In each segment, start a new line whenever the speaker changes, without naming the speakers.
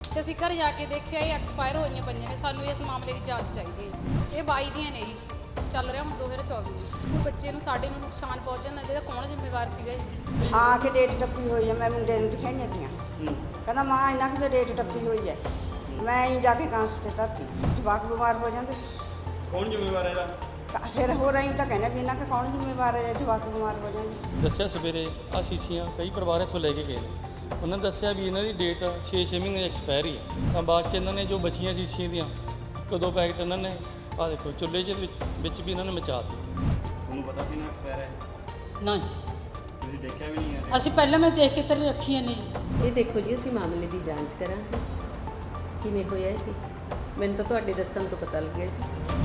ਤੇ ਅਸੀਂ ਘਰ ਜਾ ਕੇ ਦੇਖਿਆ ਇਹ ਐਕਸਪਾਇਰ ਹੋਈਆਂ ਪਈਆਂ ਨੇ। ਸਾਨੂੰ ਇਸ ਮਾਮਲੇ ਦੀ ਜਾਂਚ ਚਾਹੀਦੀ ਹੈ। ਇਹ 22 ਦੀਆਂ ਨੇ ਜੀ, ਚੱਲ ਰਿਹਾ ਹੁਣ 2024 ਕੋਈ ਬੱਚੇ ਨੂੰ ਸਾਡੇ ਨੂੰ ਨੁਕਸਾਨ ਪਹੁੰਚ ਜਾਂਦਾ ਇਹਦਾ ਕੌਣ ਜ਼ਿੰਮੇਵਾਰ ਸੀਗਾ ਜੀ?
ਆ ਕੇ ਡੇਟ ਟੱਪੀ ਹੋਈ ਹੈ। ਮੈਂ ਮੁੰਡੇ ਨੂੰ ਦਿਖਾਈਆਂ ਤੀਆਂ, ਕਹਿੰਦਾ ਮਾਂ ਇਹਨਾਂ ਕਿ ਡੇਟ ਟੱਪੀ ਹੋਈ ਹੈ। ਮੈਂ ਹੀ ਜਾ ਕੇ ਕਾਂਸ ਤੇ ਧਰਤੀ, ਜਵਾਕ ਬਿਮਾਰ ਹੋ ਜਾਂਦੇ।
ਕੌਣ ਜ਼ਿੰਮੇਵਾਰ ਹੈ ਇਹਦਾ?
ਤਾਂ ਫਿਰ ਹੋ ਰਹੀ ਤਾਂ ਕਹਿੰਦੇ ਵੀ ਇਹਨਾਂ ਕਿ ਕੌਣ ਜ਼ਿੰਮੇਵਾਰ ਹੈ, ਜਵਾਕ ਬਿਮਾਰ ਹੋ ਜਾਂਦੇ।
ਦੱਸਿਆ ਸਵੇਰੇ ਆ ਸ਼ੀਸ਼ੀਆਂ ਕਈ ਪਰਿਵਾਰ ਇੱਥੋਂ ਲੈ ਕੇ ਗਏ ਨੇ। ਉਹਨਾਂ ਨੇ ਦੱਸਿਆ ਵੀ ਇਹਨਾਂ ਦੀ ਡੇਟ 6 ਮਹੀਨੇ ਐਕਸਪਾਇਰੀ ਹੈ। ਤਾਂ ਬਾਅਦ 'ਚ ਇਹਨਾਂ ਨੇ ਜੋ ਬਚੀਆਂ ਸ਼ੀਸ਼ੀਆਂ ਦੀਆਂ ਇੱਕ ਦੋ ਪੈਕਟ ਇਹਨਾਂ ਨੇ ਆ ਦੇਖੋ ਚੁੱਲ੍ਹੇ 'ਚ ਵਿੱਚ ਵੀ ਇਹਨਾਂ ਨੇ ਮਚਾ ਦਿੱਤੇ।
ਤੁਹਾਨੂੰ ਪਤਾ ਸੀ ਨਾ ਐਕਸਪਾਇਰ ਹੈ?
ਨਾ ਜੀ,
ਤੁਸੀਂ ਦੇਖਿਆ ਵੀ ਨਹੀਂ ਹੈ?
ਅਸੀਂ ਪਹਿਲਾਂ ਮੈਂ ਦੇਖ ਕੇ ਤੇਰੇ ਰੱਖੀਆਂ ਨੇ ਜੀ।
ਇਹ ਦੇਖੋ ਜੀ, ਅਸੀਂ ਮਾਮਲੇ ਦੀ ਜਾਂਚ ਕਰਾਂਗੇ ਕਿਵੇਂ ਹੋਇਆ ਇਹ। ਮੈਨੂੰ ਤਾਂ ਤੁਹਾਡੇ ਦੱਸਣ ਤੋਂ ਪਤਾ ਲੱਗਿਆ ਜੀ।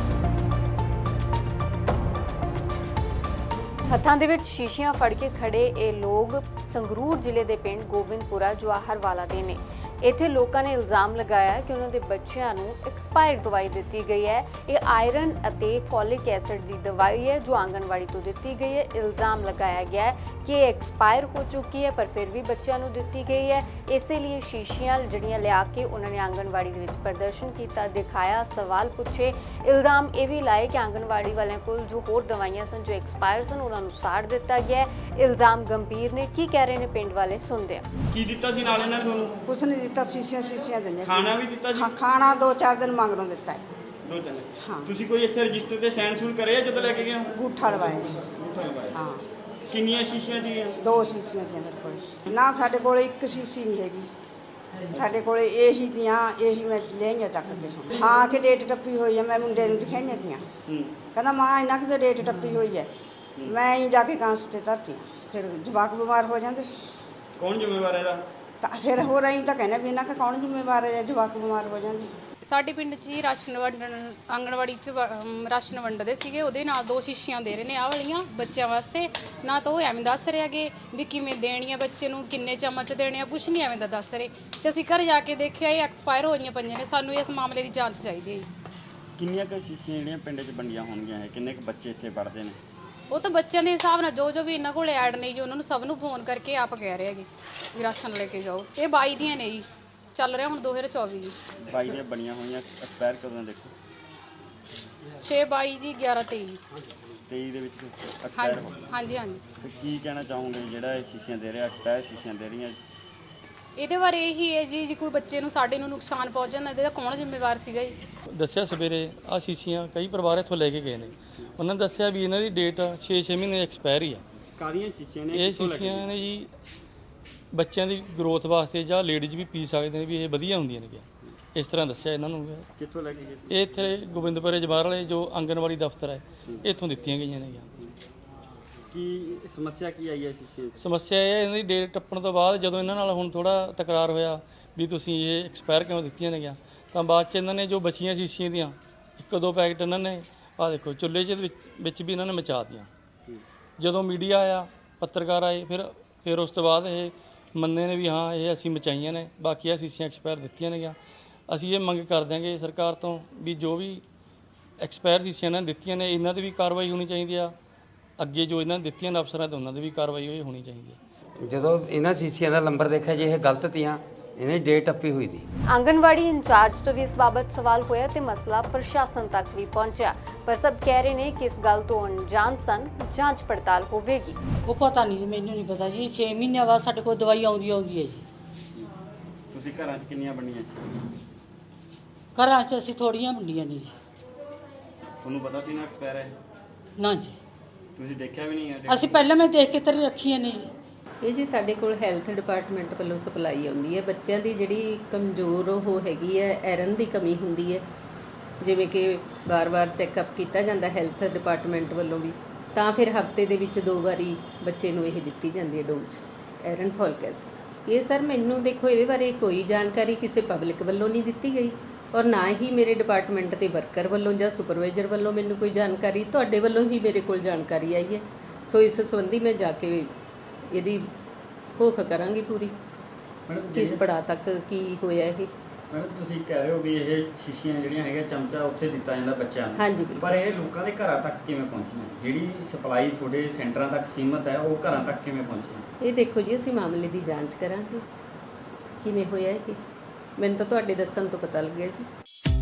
ਹੱਥਾਂ ਦੇ ਵਿੱਚ ਸ਼ੀਸ਼ੀਆਂ ਫੜ ਕੇ ਖੜੇ ਇਹ ਲੋਕ ਸੰਗਰੂਰ ਜ਼ਿਲ੍ਹੇ ਦੇ ਪਿੰਡ ਗੋਬਿੰਦਪੁਰਾ ਜਵਾਹਰਵਾਲਾ ਦੇ ਨੇ। ਇੱਥੇ ਲੋਕਾਂ ਨੇ ਇਲਜ਼ਾਮ ਲਗਾਇਆ ਕਿ ਉਹਨਾਂ ਦੇ ਬੱਚਿਆਂ ਨੂੰ ਐਕਸਪਾਇਰਡ ਦਵਾਈ ਦਿੱਤੀ ਗਈ ਹੈ। ਇਹ ਆਇਰਨ ਅਤੇ ਫੋਲਿਕ ਐਸਿਡ ਦੀ ਦਵਾਈ ਹੈ ਜੋ ਆਂਗਨਵਾੜੀ ਤੋਂ ਦਿੱਤੀ ਗਈ ਹੈ। ਇਲਜ਼ਾਮ ਲਗਾਇਆ ਗਿਆ ਹੈ ਕਿ ਇਹ ਐਕਸਪਾਇਰ ਹੋ ਚੁੱਕੀ ਹੈ ਪਰ ਫਿਰ ਵੀ ਬੱਚਿਆਂ ਨੂੰ ਦਿੱਤੀ ਗਈ ਹੈ। ਇਸੇ ਲਈ ਸ਼ੀਸ਼ੀਆਂ ਜਿਹੜੀਆਂ ਲਿਆ ਕੇ ਉਹਨਾਂ ਨੇ ਆਂਗਨਵਾੜੀ ਦੇ ਵਿੱਚ ਪ੍ਰਦਰਸ਼ਨ ਕੀਤਾ, ਦਿਖਾਇਆ, ਸਵਾਲ ਪੁੱਛੇ। ਇਲਜ਼ਾਮ ਇਹ ਵੀ ਲਾਏ ਕਿ ਆਂਗਨਵਾੜੀ ਵਾਲਿਆਂ ਕੋਲ ਜੋ ਹੋਰ ਦਵਾਈਆਂ ਸਨ ਜੋ ਐਕਸਪਾਇਰ ਸਨ ਉਹਨਾਂ ਨੂੰ ਸਾੜ ਦਿੱਤਾ ਗਿਆ। ਇਲਜ਼ਾਮ ਗੰਭੀਰ ਨੇ। ਕੀ ਕਹਿ ਰਹੇ ਨੇ ਪਿੰਡ ਵਾਲੇ, ਸੁਣਦੇ ਆ।
ਕੀ ਦਿੱਤਾ ਸੀ ਨਾਲ ਇਹਨਾਂ ਨੇ ਤੁਹਾਨੂੰ?
ਕੁਛ ਨਹੀਂ ਦਿੱਤਾ, ਸ਼ੀਸ਼ੀਆਂ ਦਿੰਦੇ।
ਖਾਣਾ ਵੀ ਦਿੱਤਾ ਜੀ?
ਖਾਣਾ 2-4 ਦਿਨ ਮੰਗਣੋਂ ਦਿੱਤਾ ਹੈ।
ਦੋ ਤਿੰਨ?
ਹਾਂ।
ਤੁਸੀਂ ਕੋਈ ਇੱਥੇ ਰਜਿਸਟਰ ਤੇ ਸਾਈਨ ਸੂਨ ਕਰੇ ਜਦੋਂ ਲੈ ਕੇ ਗਏ ਹੋ?
ਅੰਗੂਠਾ ਲਵਾਏ ਨੇ। ਹਾਂ।
ਕਿੰਨੀਆਂ ਸ਼ੀਸ਼ੀਆਂ ਸੀਗੀਆਂ? 2
ਸ਼ੀਸ਼ੀਆਂ ਦੀਆਂ ਮੇਰੇ ਕੋਲ। ਨਾ ਸਾਡੇ ਕੋਲ ਇੱਕ ਸ਼ੀਸ਼ੀ ਨਹੀਂ ਹੈਗੀ, ਸਾਡੇ ਕੋਲ ਇਹੀ ਮੈਂ ਲਿਆਈਆਂ ਚੱਕ ਕੇ। ਹਾਂ ਕਿ ਡੇਟ ਟੱਪੀ ਹੋਈ ਹੈ। ਮੈਂ ਮੁੰਡੇ ਨੂੰ ਦਿਖਾਈਆਂ ਤੀਆਂ, ਕਹਿੰਦਾ ਮਾਂ ਇਹਨਾਂ ਕਿ ਡੇਟ ਟੱਪੀ ਹੋਈ ਹੈ। ਮੈਂ ਹੀ ਜਾ ਕੇ ਕਾਂਸ ਤੇ ਧਰਤੀ, ਫਿਰ ਜਵਾਕ ਬਿਮਾਰ ਹੋ ਜਾਂਦੇ।
ਕੌਣ ਜ਼ਿੰਮੇਵਾਰ ਹੈ ਇਹਦਾ?
ਤਾਂ ਫਿਰ ਹੋ ਰਹੀ ਤਾਂ ਕਹਿੰਦੇ ਵੀ ਇਹਨਾਂ ਕਿ ਕੌਣ ਜ਼ਿੰਮੇਵਾਰ ਹੈ, ਜਵਾਕ ਬਿਮਾਰ ਹੋ ਜਾਂਦੇ।
ਸਾਡੇ ਪਿੰਡ 'ਚ ਹੀ ਰਾਸ਼ਨ ਵੰਡਣ, ਆਂਗਣਵਾੜੀ 'ਚ ਰਾਸ਼ਨ ਵੰਡਦੇ ਸੀਗੇ, ਉਹਦੇ ਨਾਲ 2 ਸ਼ੀਸ਼ੀਆਂ ਦੇ ਰਹੇ ਨੇ ਆਹ ਵਾਲੀਆਂ ਬੱਚਿਆਂ ਵਾਸਤੇ। ਨਾ ਤਾਂ ਉਹ ਐਵੇਂ ਦੱਸ ਰਹੇ ਹੈਗੇ ਵੀ ਕਿਵੇਂ ਦੇਣੀਆਂ ਬੱਚੇ ਨੂੰ, ਕਿੰਨੇ ਚਮਚ ਦੇਣੇ ਆ, ਕੁਛ ਨਹੀਂ ਐਵੇਂ ਦਾ ਦੱਸ ਰਹੇ। ਤੇ ਅਸੀਂ ਘਰ ਜਾ ਕੇ ਦੇਖਿਆ ਇਹ ਐਕਸਪਾਇਰ ਹੋਈਆਂ ਪਈਆਂ ਨੇ। ਸਾਨੂੰ ਇਸ ਮਾਮਲੇ ਦੀ ਜਾਂਚ ਚਾਹੀਦੀ ਹੈ ਜੀ।
ਕਿੰਨੀਆਂ ਕੁ ਸ਼ੀਸ਼ੀਆਂ ਜਿਹੜੀਆਂ ਪਿੰਡ 'ਚ ਵੰਡੀਆਂ ਹੋਣਗੀਆਂ ਹੈ? ਕਿੰਨੇ ਕੁ ਬੱਚੇ ਇੱਥੇ ਪੜ੍ਹਦੇ ਨੇ?
ਉਹ ਤਾਂ ਬੱਚਿਆਂ ਦੇ ਹਿਸਾਬ ਨਾਲ ਜੋ ਵੀ ਇਹਨਾਂ ਕੋਲ ਐਡ ਨੇ ਜੀ ਉਹਨਾਂ ਨੂੰ ਸਭ ਨੂੰ ਫੋਨ ਕਰਕੇ ਆਪ ਕਹਿ ਰਹੇ ਹੈਗੇ ਵੀ ਰਾਸ਼ਨ ਲੈ ਕੇ ਜਾਓ। ਇਹ 22 ਦੀਆਂ ਨੇ ਜੀ, ਚੱਲ ਰਿਹਾ ਹੁਣ 2024 ਜੀ।
22 ਦੀਆਂ ਬਣੀਆਂ ਹੋਈਆਂ, ਐਕਸਪਾਇਰ ਕਦੋਂ ਦੇਖੋ?
6/22 ਜੀ, 11/23
23 ਦੇ ਵਿੱਚ ਐਕਸਪਾਇਰ ਹੋ
ਹਾਂਜੀ ਹਾਂਜੀ ਹਾਂਜੀ।
ਤੇ ਕੀ ਕਹਿਣਾ ਚਾਹੋਗੇ ਜਿਹੜਾ ਇਹ ਸ਼ੀਸ਼ੀਆਂ ਦੇ ਰਿਹਾ, ਐਕਸਪਾਇਰ ਸ਼ੀਸ਼ੀਆਂ ਦੇ ਰਹੀਆਂ?
ਇਹਦੇ ਬਾਰੇ ਇਹੀ ਹੈ ਜੀ, ਜੇ ਕੋਈ ਬੱਚੇ ਨੂੰ ਸਾਡੇ ਨੂੰ ਨੁਕਸਾਨ ਪਹੁੰਚ ਜਾਂਦਾ ਇਹਦਾ ਕੌਣ ਜ਼ਿੰਮੇਵਾਰ ਸੀਗਾ ਜੀ?
ਦੱਸਿਆ ਸਵੇਰੇ ਆ ਸ਼ੀਸ਼ੀਆਂ ਕਈ ਪਰਿਵਾਰ ਇੱਥੋਂ ਲੈ ਕੇ ਗਏ ਨੇ। ਉਹਨਾਂ ਨੇ ਦੱਸਿਆ ਵੀ ਇਹਨਾਂ ਦੀ ਡੇਟ 6 ਮਹੀਨੇ ਐਕਸਪਾਇਰੀ ਹੈ।
ਕਾਹਦੀਆਂ ਸ਼ੀਸ਼ੀਆਂ ਨੇ?
ਇਹ ਸ਼ੀਸ਼ੀਆਂ ਨੇ ਜੀ ਬੱਚਿਆਂ ਦੀ ਗਰੋਥ ਵਾਸਤੇ ਜਾਂ ਲੇਡੀਜ਼ ਵੀ ਪੀ ਸਕਦੇ ਨੇ, ਵੀ ਇਹ ਵਧੀਆ ਹੁੰਦੀਆਂ ਨੇ। ਇਸ ਤਰ੍ਹਾਂ ਦੱਸਿਆ ਇਹਨਾਂ ਨੂੰ।
ਕਿੱਥੋਂ ਲੈ ਕੇ ਗਏ?
ਇਹ ਇੱਥੇ ਗੋਬਿੰਦਪੁਰੇ ਜਵਾਹਰ ਵਾਲੇ ਜੋ ਆਂਗਨਵਾੜੀ ਦਫ਼ਤਰ ਹੈ ਇੱਥੋਂ ਦਿੱਤੀਆਂ ਗਈਆਂ ਨੇ।
ਕੀ ਸਮੱਸਿਆ ਕੀ ਆਈ ਹੈ ਸ਼ੀਸ਼ੇ 'ਚ?
ਸਮੱਸਿਆ ਇਹ ਹੈ ਇਹਨਾਂ ਦੀ ਡੇਟ ਟੱਪਣ ਤੋਂ ਬਾਅਦ ਜਦੋਂ ਇਹਨਾਂ ਨਾਲ ਹੁਣ ਥੋੜਾ ਤਕਰਾਰ ਹੋਇਆ ਵੀ ਤੁਸੀਂ ਇਹ ਐਕਸਪਾਇਰ ਕਿਉਂ ਦਿੱਤੀਆਂ ਨੇ ਗਿਆ, ਤਾਂ ਬਾਅਦ 'ਚ ਇਹਨਾਂ ਨੇ ਜੋ ਬਚੀਆਂ ਸ਼ੀਸ਼ੀਆਂ ਦੀਆਂ ਇੱਕ ਦੋ ਪੈਕਟ ਇਹਨਾਂ ਨੇ ਆ ਦੇਖੋ ਚੁੱਲ੍ਹੇ 'ਚ ਵਿੱਚ ਵੀ ਇਹਨਾਂ ਨੇ ਮਚਾ ਦਿੱਤੀਆਂ। ਜਦੋਂ ਮੀਡੀਆ ਆਇਆ, ਪੱਤਰਕਾਰ ਆਏ, ਫਿਰ ਉਸ ਤੋਂ ਬਾਅਦ ਇਹ ਮੰਨੇ ਨੇ ਵੀ ਹਾਂ ਇਹ ਅਸੀਂ ਮਚਾਈਆਂ ਨੇ, ਬਾਕੀ ਆ ਸ਼ੀਸ਼ੀਆਂ ਐਕਸਪਾਇਰ ਦਿੱਤੀਆਂ ਨੇ ਗਿਆ। ਅਸੀਂ ਇਹ ਮੰਗ ਕਰ ਦਿਆਂਗੇ ਸਰਕਾਰ ਤੋਂ ਵੀ ਜੋ ਵੀ ਐਕਸਪਾਇਰ ਸ਼ੀਸ਼ੀਆਂ ਇਹਨਾਂ ਨੇ ਦਿੱਤੀਆਂ ਨੇ ਇਹਨਾਂ 'ਤੇ ਵੀ ਕਾਰਵਾਈ ਹੋਣੀ ਚਾਹੀਦੀ ਆ। ਅੱਗੇ ਜੋ ਇਹਨਾਂ ਨੇ ਦਿੱਤੀਆਂ ਨੇ ਅਫਸਰਾਂ ਤੇ ਉਹਨਾਂ 'ਤੇ ਵੀ ਕਾਰਵਾਈ ਹੋਣੀ ਚਾਹੀਦੀ ਹੈ।
ਜਦੋਂ ਇਹਨਾਂ ਸ਼ੀਸ਼ੀਆਂ ਦਾ ਨੰਬਰ ਦੇਖਿਆ ਜੇ ਇਹ ਗਲਤ ਤੀਆਂ, ਇਹਨੇ ਡੇਟ ਟੱਪੀ ਹੋਈ ਦੀ।
ਆਂਗਨਵਾੜੀ ਇੰਚਾਰਜ ਤੋਂ ਵੀ ਇਸ ਬਾਬਤ ਸਵਾਲ ਹੋਇਆ ਤੇ ਮਸਲਾ ਪ੍ਰਸ਼ਾਸਨ ਤੱਕ ਵੀ ਪਹੁੰਚਿਆ, ਪਰ ਸਭ ਕਹਿ ਰਹੇ ਨੇ ਕਿ ਇਸ ਗੱਲ ਤੋਂ ਅਣਜਾਣ ਸਨ, ਜਾਂਚ ਪੜਤਾਲ ਹੋਵੇਗੀ।
ਉਹ ਪਤਾ ਨਹੀਂ, ਮੈਨੂੰ ਨਹੀਂ ਪਤਾ ਜੀ। 6 ਮਹੀਨਿਆਂ ਬਾਅਦ ਸਾਡੇ ਕੋਲ ਦਵਾਈ ਆਉਂਦੀ ਹੈ ਜੀ।
ਤੁਸੀਂ ਘਰਾਂ 'ਚ ਕਿੰਨੀਆਂ ਬਣੀਆਂ ਸੀ?
ਘਰਾਂ 'ਚ ਅਸੀਂ ਥੋੜੀਆਂ ਵੰਡੀਆਂ ਨੇ ਜੀ।
ਤੁਹਾਨੂੰ ਪਤਾ ਸੀ ਨਾ ਐਕਸਪਾਇਰ ਹੈ?
ਨਾ ਜੀ,
ਤੁਸੀਂ ਦੇਖਿਆ ਵੀ ਨਹੀਂ ਹੈ?
ਅਸੀਂ ਪਹਿਲਾਂ ਮੈਂ ਦੇਖ ਕੇ ਤੇਰੇ ਰੱਖੀਆਂ ਨੇ ਜੀ।
ਇਹ ਜੀ ਸਾਡੇ ਕੋਲ ਹੈਲਥ ਡਿਪਾਰਟਮੈਂਟ ਵੱਲੋਂ ਸਪਲਾਈ ਆਉਂਦੀ ਹੈ। ਬੱਚਿਆਂ ਦੀ ਜਿਹੜੀ ਕਮਜ਼ੋਰ ਉਹ ਹੈਗੀ ਹੈ, ਆਇਰਨ ਦੀ ਕਮੀ ਹੁੰਦੀ ਹੈ, ਜਿਵੇਂ ਕਿ ਵਾਰ-ਵਾਰ ਚੈੱਕਅਪ ਕੀਤਾ ਜਾਂਦਾ ਹੈਲਥ ਡਿਪਾਰਟਮੈਂਟ ਵੱਲੋਂ ਵੀ, ਤਾਂ ਫਿਰ ਹਫਤੇ ਦੇ ਵਿੱਚ 2 ਵਾਰੀ ਬੱਚੇ ਨੂੰ ਇਹ ਦਿੱਤੀ ਜਾਂਦੀ ਹੈ ਡੋਜ਼ ਆਇਰਨ ਫੋਲਿਕ ਐਸਿਡ। ਇਹ ਸਰ ਮੈਨੂੰ ਦੇਖੋ ਇਹਦੇ ਬਾਰੇ ਕੋਈ ਜਾਣਕਾਰੀ ਕਿਸੇ ਪਬਲਿਕ ਵੱਲੋਂ ਨਹੀਂ ਦਿੱਤੀ ਗਈ, ਔਰ ਨਾ ਹੀ ਮੇਰੇ ਡਿਪਾਰਟਮੈਂਟ ਦੇ ਵਰਕਰ ਵੱਲੋਂ ਜਾਂ ਸੁਪਰਵਾਈਜ਼ਰ ਵੱਲੋਂ ਮੈਨੂੰ ਕੋਈ ਜਾਣਕਾਰੀ, ਤੁਹਾਡੇ ਵੱਲੋਂ ਹੀ ਮੇਰੇ ਕੋਲ ਜਾਣਕਾਰੀ ਆਈ ਹੈ। ਸੋ ਇਸ ਸੰਬੰਧੀ ਮੈਂ ਜਾ ਕੇ ਇਹਦੀ ਭੁੱਖ ਕਰਾਂਗੀ ਪੂਰੀ, ਕਿਸ ਪੜਾਅ ਤੱਕ ਕੀ ਹੋਇਆ ਇਹ।
ਮੈਡਮ ਤੁਸੀਂ ਕਹਿ ਰਹੇ ਹੋ ਵੀ ਇਹ ਸ਼ੀਸ਼ੀਆਂ ਜਿਹੜੀਆਂ ਹੈਗੀਆਂ ਚਮਚਾ ਉੱਥੇ ਦਿੱਤਾ ਜਾਂਦਾ ਬੱਚਿਆਂ ਨੂੰ,
ਹਾਂਜੀ,
ਪਰ ਇਹ ਲੋਕਾਂ ਦੇ ਘਰਾਂ ਤੱਕ ਕਿਵੇਂ ਪਹੁੰਚੀਆਂ? ਜਿਹੜੀ ਸਪਲਾਈ ਤੁਹਾਡੇ ਸੈਂਟਰਾਂ ਤੱਕ ਸੀਮਤ ਹੈ ਉਹ ਘਰਾਂ ਤੱਕ ਕਿਵੇਂ ਪਹੁੰਚੀਆਂ?
ਇਹ ਦੇਖੋ ਜੀ, ਅਸੀਂ ਮਾਮਲੇ ਦੀ ਜਾਂਚ ਕਰਾਂਗੇ ਕਿਵੇਂ ਹੋਇਆ ਇਹ। ਮੈਨੂੰ ਤਾਂ ਤੁਹਾਡੇ ਦੱਸਣ ਤੋਂ ਪਤਾ ਲੱਗਿਆ ਜੀ।